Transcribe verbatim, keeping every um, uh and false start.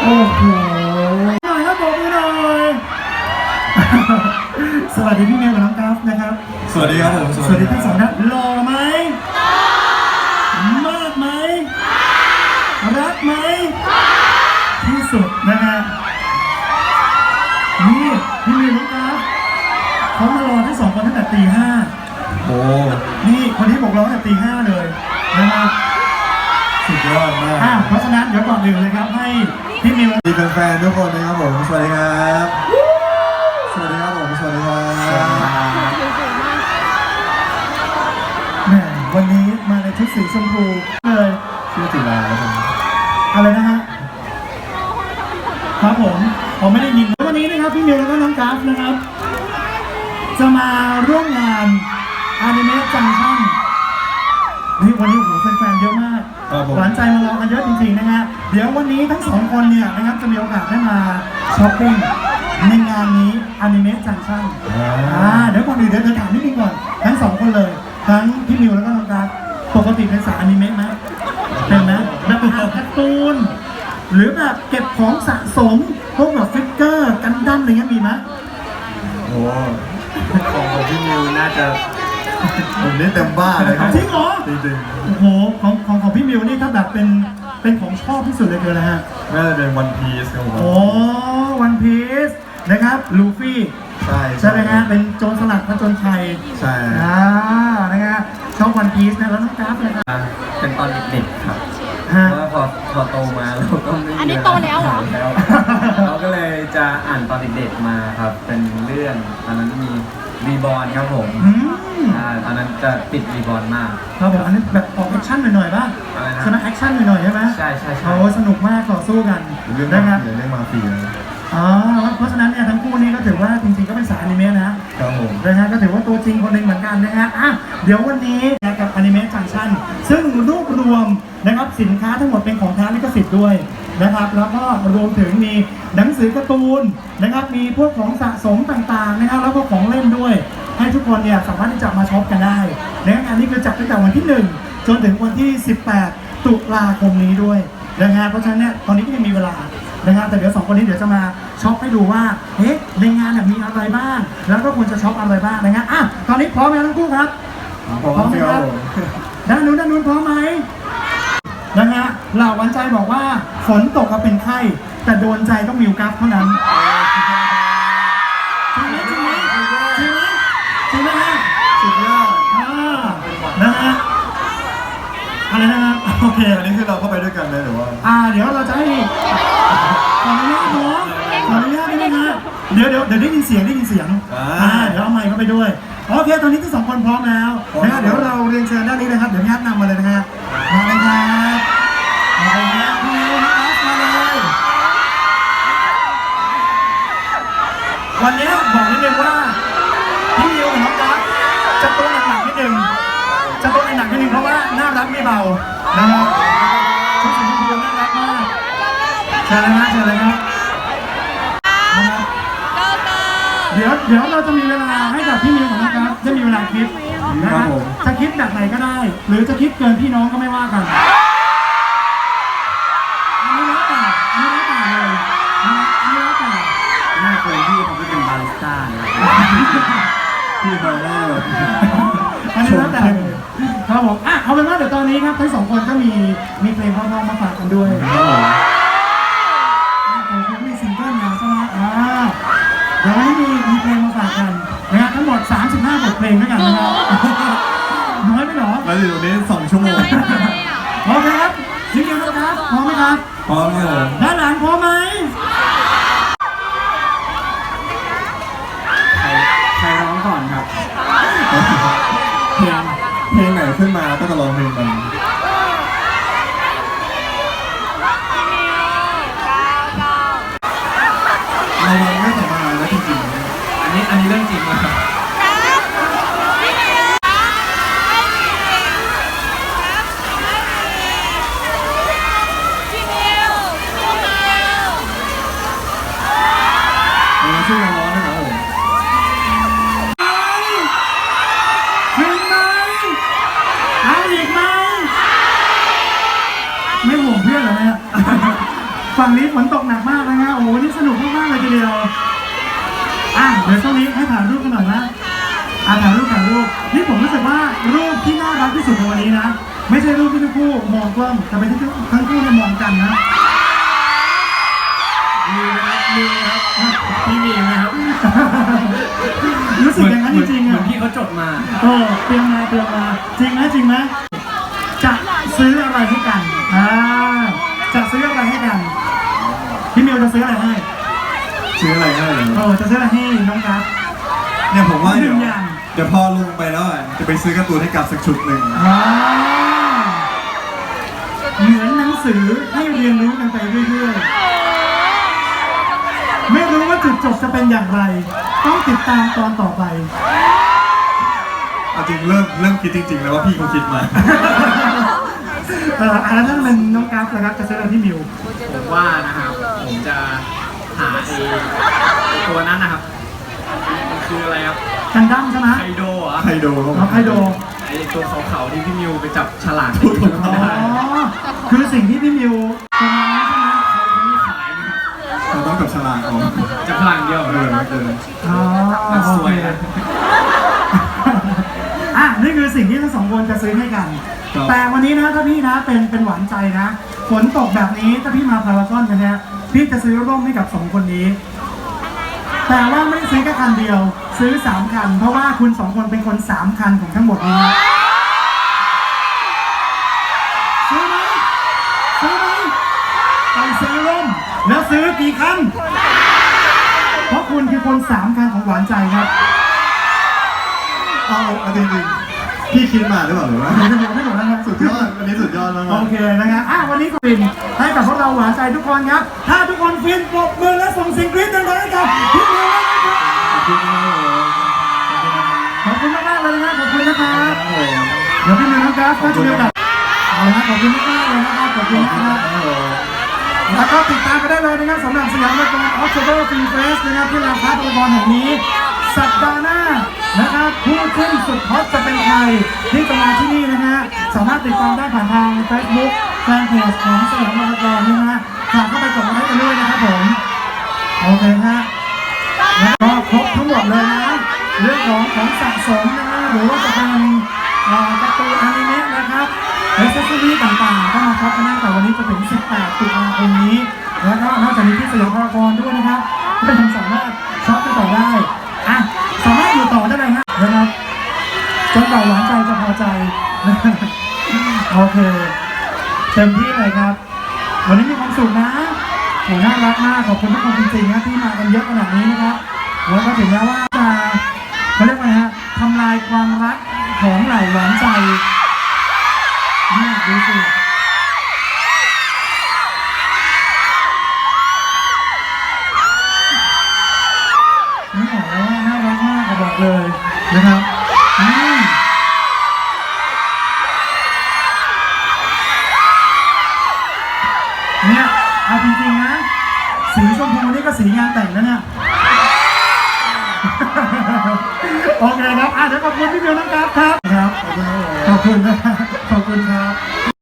โอ้โหหน่อยครับผมหน่อยสวัสดีพี่เมย์กับน้องกราฟนะครับสวัสดีครับผมสวัสดีทั้งสองท่านหล่อไหมมากไหมรักไหมที่สุดนะฮะนี่พี่เมย์น้องกราฟเขามารอทั้งสองคนตั้งแต่ตีห้าโอ้นี่คนนี้บอกเราตั้งแต่ตีห้าเลยนะครับสุดยอดมากเพราะฉะนั้นเดี๋ยวก่อนอื่นเลยครับให้พี่มิวดีแฟนๆทุกคนนะครับผมสวัสดีครับสวัสดีครับผมสวัสดีครับแหมวันนี้มาในชุดสีชมพูเลยชื่อจิราครับผมอะไรนะฮะครับผมผมไม่ได้ยินวันนี้นะครับพี่มิวแล้วก็น้องกราฟนะครับจะมาร่วมงานอนิเมะจังชั่นนี่วันนี้โอ้โหแฟนๆเยอะมากหวานใจมารอกันเยอะจริงๆนะฮะเดี๋ยววันนี้ทั้งสองคนเนี่ยนะครับจะมีโอกาสได้มาช้อปปิ้งในงานนี้อนิเมะจังชั่นอ่าเดี๋ยวก่อนอื่นเดี๋ยวจะถามนิดนึงก่อนทั้งสองคนเลยทั้งพี่มิวแล้วก็น้องกราฟปกติเป็นสายอนิเมะไหมเป็นไหมแบบอ่านการ์ตูนหรือแบบเก็บของสะสมพวกแบบฟิกเกอร์กันดั้มอะไรเงี้ยมีไหมโอ้ของของพี่มิวน่าจะผมนี่เต็มบ้านเลยครับจริงเหรอจริงๆโอ้โหของของของพี่มิวนี่ถ้าแบบเป็นเป็นของชอบที่สุดเลยคืออะไรฮะน่าจะเป็นวันพีซครับผมโอ้วันพีซนะครับลูฟี่ใช่ใช่ไหมฮะเป็นโจรสลัดผจญภัยใช่อ่านะฮะชอบวันพีซนะแล้วน้องกราฟเลยครับเป็นตอนเด็กๆครับเพราะว่าพอพอโตมาเราก็ไม่มีอันนี้โตแล้วเหรอเราก็เลยจะอ่านตอนเด็กๆมาครับเป็นเรื่องตอนนั้นมีรีบอร์นครับผมอ่าตอนนั้นจะติดรีบอร์นมากครับผมอันนี้แบบออกแอคชั่นหน่อยๆป่ะใช่ไหมแอคชั่นหน่อยๆใช่ไหมใช่ใช่ใช่โอ้สนุกมากต่อสู้กันเรื่องนะครับเรื่องมาฟีอ๋อเพราะฉะนั้นเนี่ยทั้งคู่นี้ก็ถือว่าจริงๆก็เป็นสายอนิเมะนะครับผมนะฮะก็ถือว่าตัวจริงคนหนึ่งเหมือนกันนะฮะอ่ะเดี๋ยววันนี้กับอนิเมะจังชั่นซึ่งรวบรวมนะครับสินค้าทั้งหมดเป็นของแท้ลิขสิทธิ์ด้วยนะครับแล้วก็รวมถึงมีหนังสือการ์ตูนนะครับมีพวกของสะสมต่างๆนะครับแล้วก็ของเล่นด้วยให้ทุกคนเนี่ยสามารถที่จะมาช็อปกันได้ในงานนี้คือจัดตั้งแต่วันที่หนึ่งจนถึงวันที่สิบแปดตุลาคมนี้ด้วยนะฮะเพราะฉะนั้นเนี่ยตอนนี้ก็ยังมีเวลานะครับแต่เดี๋ยวสองคนนี้เดี๋ยวจะมาช็อปให้ดูว่าเฮ้ในงานมีอะไรบ้างแล้วก็ควรจะช็อปอะไรบ้างนะฮะอ่ะตอนนี้พร้อมไหมทั้งคู่ครับพร้อมครับด้านนู้นด้านนู้นพร้อมไหมนะฮะเหล่าวันใจบอกว่าฝนตกก็เป็นไข้แต่โดนใจต้องมิวกัฟเท่านั้นจริงไหมจริงไหมจริงไหมจริงไหมฮะสุดยอดนะฮะอะไรนะครับโอเคอันนี้คือเราเข้าไปด้วยกันเลยหรือว่าอ่าเดี๋ยวเราจะให้ขออนุญาตเนาะขออนุญาตได้ไหมฮะเดี๋ยวเดี๋ยวเดี๋ยวได้ยินเสียงได้ยินเสียงอ่าเดี๋ยวเอาไมค์เข้าไปด้วยโอเคตอนนี้ทั้งสองคนพร้อมแล้วนะเดี๋ยวเราเรียนเชิญด้านนี้นะครับเดี๋ยวญาตินำมาเลยนะฮะมาเลยครับมาเลยครับพี่มิวนะครับมาเลยวันนี้บอกนิดนึงว่าพี่มิวกับน้องกั๊กจะตัวหนักๆนิดนึงจะตัวหนักๆนิดนึงเพราะว่าน่ารักไม่เบานะครับชุดสีชมพูน่ารักมากเชิญเลยนะเชิญเลยครับเดี๋ยวเดี๋ยวเราจะมีเวลาให้กับพี่มิวของน้องกั๊กจะมีเวลาคิดนะครับจะคิดแบบไหนก็ได้หรือจะคิดเกินพี่น้องก็ไม่ว่ากันอันนี้แล้วแต่อันนี้แล้วแต่เลยอันนี้แล้วแต่หน้าเคยพี่เขาเป็นบาริสต้านะพี่บาร์ได้แบบอันนี้แล้วแต่ครับผมอ่ะเอาเป็นว่าเดี๋ยวตอนนี้ครับทั้งสองคนก็มีมีเพลงเพราะๆมาฝากกันด้วยผมก็มีซิงเกิลนะใช่ไหมอ่าเดี๋ยวให้มีมีเพลงมาฝากกันนะครับทั้งหมดสามสิบห้าบทเพลงด้วยกันนะครับน้อยไหมหรอแล้วอยู่นี้สองชั่วโมงโอเคครับซิงเกิลนะครับพร้อมไหมครับพร้อมครับด้านหลังพร้อมไหมใครร้องก่อนครับเพลงเพลงไหนขึ้นมาก็จะร้องเพลงมันเราไม่สบายแล้วจริงๆอันนี้อันนี้เรื่องจริงมากช่วยกันร้องนะครับผมเห็นไหมเอาอีกไหมฝั่งนี้ฝนตกหนักมากนะฮะโอ้โหนี่สนุกมากๆเลยทีเดียวอ่ะเดี๋ยวช่วงนี้ให้ถ่ายรูปกันหน่อยนะอ่ะถ่ายรูปถ่ายรูปนี่ผมรู้สึกว่ารูปที่น่ารักที่สุดในวันนี้นะไม่ใช่รูปที่ทั้งคู่มองกล้องแต่เป็นที่ทั้งคู่เนี่ยมองกันนะมีนะครับมีครับพี่มีนะครับรู้สึกอย่างนั้นจริงๆเหมือ่ะอนพี่เขาจดมาเออเตรียมมาเตรียมมาจริงไหมจริงไหมจะซื้ออะไรให้กันอ่าจะซื้ออะไรให้กันพี่มิวจะซื้ออะไรให้ซื้ออะไรให้เหรเอออจะซื้ออะไรให้น้องกัฟเนี่ยผมว่าเดี๋ยวหนึ่งอย่างเดี๋ยวพอลงไปแล้วอ่ะจะไปซื้อการ์ตูนให้กับสักชุดหนึ่งอ่าเหมือนหนังสือให้เรียนรู้กันไปเรื่อยๆไม่รู้ว่าจุดจบจะเป็นอย่างไร ต้องติดตามตอนต่อไปเอาจริงเริ่มเริ่มคิดจริงๆแล้วว่าพี่เขาคิดมาเอออันนั้นเป็นน้องกัฟนะครับจะซื้ออะไรที่มิวผมว่านะครับ ผมจะหาไอ้ตัวนั้นนะครับ มันคืออะไรครับกันดั้มใช่ไหมไคโดเหรอไคโดครับผมน้องไคโดไอ้ตัวขาวๆที่พี่มิวไปจับฉลากถูกถูกอ๋อไม่ได้คือสิ่งที่พี่มิวทำมาใช่ไหมเขาไม่ขายนะครับเราต้องกับฉลากเอาจับฉลากเดียวเออเอออ๋อมันสวยโอนะเคอ่ะนี่คือสิ่งที่ทั้งสองคนจะซื้อให้กัน แต่วันนี้นะถ้าพี่นะเป็นเป็นหวานใจนะฝนตกแบบนี้ถ้าพี่มาพารากอนกันเนี่ยพี่จะซื้อร่มให้กับสองคนนี้ แต่ว่าไม่ได้ซื้อแค่คันเดียว ซื้อสามคัน เพราะว่าคุณสองคนเป็นคนสามคันของทั้งหมดนี้นะซื้อไหมซื้อไหมไปซื้อร่มแล้วซื้อกี่คัน เพราะคุณคือคนสามคันของหวานใจครับเอาเอาจริงๆพี่คิดมาหรือเปล่าหรือว่าไม่ถูกไม่ถูกนะครับสุดยอดวันนี้สุดยอดมากโอเคนะครับอ่ะวันนี้ก็ฟินให้กับพวกเราหวานใจทุกคนครับ ถ้าทุกคนฟินปรบมือและส่งเสียงกรี๊ดดังๆให้กับพี่มิวนะครับขอบคุณมากเลยขอบคุณมากๆเลยนะครับขอบคุณนะครับโอ้โหเดี๋ยวพี่มิวนะครับก็จะมีโอกาสเอาละขอบคุณมากๆเลยนะครับขอบคุณนะครับโอ้โหแล้วก็ติดตามไปได้เลยนะครับสำหรับสยามละครออฟเทอร์ฟิล์มเฟสนะครับที่ลานพาร์ทละครแห่งนี้ สัปดาห์หน้านะครับผู้ขึ้นสุดฮอตจะเป็นใครที่จะมาที่นี่นะฮะสามารถติดตามได้ผ่านทาง Facebook แฟนเพจของสยามละครนี่นะฮะฝากเข้าไปกดไลค์กันด้วยนะครับผมโอเคฮะแล้วก็ครบทั้งหมดเลยนะเรื่องของของสะสมนะฮะหรือว่าจะเป็นเอ่อการ์ตูนอนิเมะนะครับเอเซสซอรี่ต่างๆก็มาช็อปกันได้แต่วันนี้จะถึงสิบแปดตุลาคมนี้แล้วก็นอกจากนี้ที่สยามพารากอนด้วยนะครับก็ยังสามารถช็อปกันต่อได้อ่ะสามารถอยู่ต่อได้เลยฮะนะครับจนกว่าหวานใจจะพอใจ โอเคเต็มที่เลยครับ วันนี้มีความสุขนะโหน่ารักมากขอบคุณทุกคนจริงๆนะที่มากันเยอะขนาดนี้นะครับแล้วก็ถึงแม้ว่าจะเขาเรียกว่าไงฮะทำลายความรักของเหล่าหวานใจเนี่ยดูสินี่บอกแล้วว่าน่ารักมากก็บอกเลยนะครับอืมเนี่ยเอาจริงๆนะสีชมพูนี่ก็สีงานแต่งแล้วเนี่ย โอเคครับอ่ะเดี๋ยวขอบคุณพี่เบลนะครับครับครับ ขอบคุณครับขอบคุณครับ